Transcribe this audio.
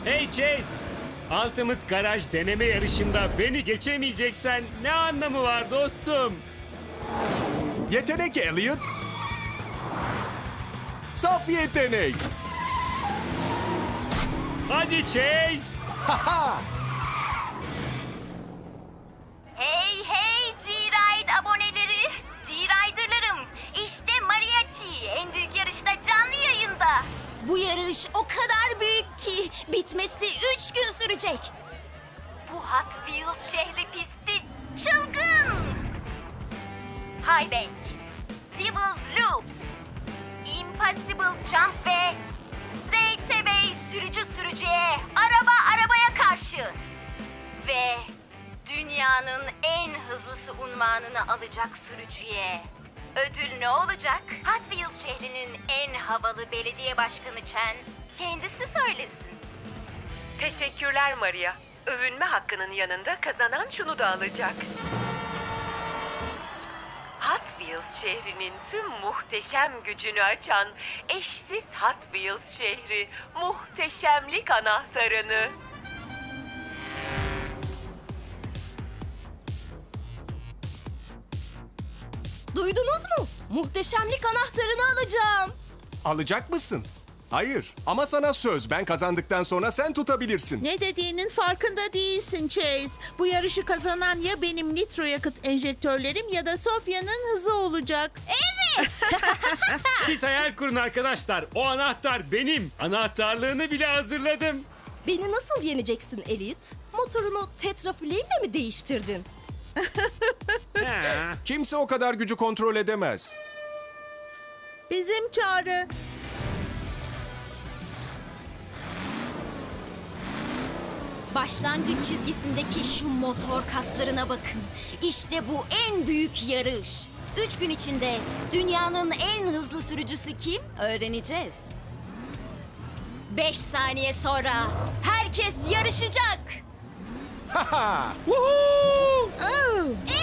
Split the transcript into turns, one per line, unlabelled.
Hey Chase! Ultimate Garaj deneme yarışında beni geçemeyeceksen ne anlamı var dostum?
Yetenek Elliot. Saf yetenek.
Hadi Chase!
Haha.
Hey hey G-Ride aboneleri, G-Rider'larım. İşte Mariachi en büyük yarışta canlı yayında.
Bu yarış o kadar büyük ki bitmesi 3 gün sürecek.
Bu Hot Wheels şehri pisti çılgın. High Bank, Devil's Loops, Impossible Jump ve Straightaway sürücü sürücüye, araba arabaya karşı. Ve dünyanın en hızlısı unvanını alacak sürücüye. Ödül ne olacak? Hot Wheels şehrinin en havalı belediye başkanı Chen kendisi söylesin.
Teşekkürler Maria. Övünme hakkının yanında kazanan şunu da alacak. Hot Wheels şehrinin tüm muhteşem gücünü açan eşsiz Hot Wheels şehri muhteşemlik anahtarını.
Duydunuz mu? Muhteşemlik anahtarını alacağım.
Alacak mısın? Hayır ama sana söz, ben kazandıktan sonra sen tutabilirsin.
Ne dediğinin farkında değilsin Chase. Bu yarışı kazanan ya benim nitro yakıt enjektörlerim ya da Sofya'nın hızı olacak.
Siz hayal kurun arkadaşlar. O anahtar benim. Anahtarlığını bile hazırladım.
Beni nasıl yeneceksin Elliot? Motorunu tetraflame'le mi değiştirdin?
Ha.
Kimse o kadar gücü kontrol edemez.
Bizim Çağrı.
Başlangıç çizgisindeki şu motor kaslarına bakın. İşte bu en büyük yarış. 3 gün içinde dünyanın en hızlı sürücüsü kim? Öğreneceğiz. 5 saniye sonra herkes yarışacak.
Haha.
Woohoo!
Oh.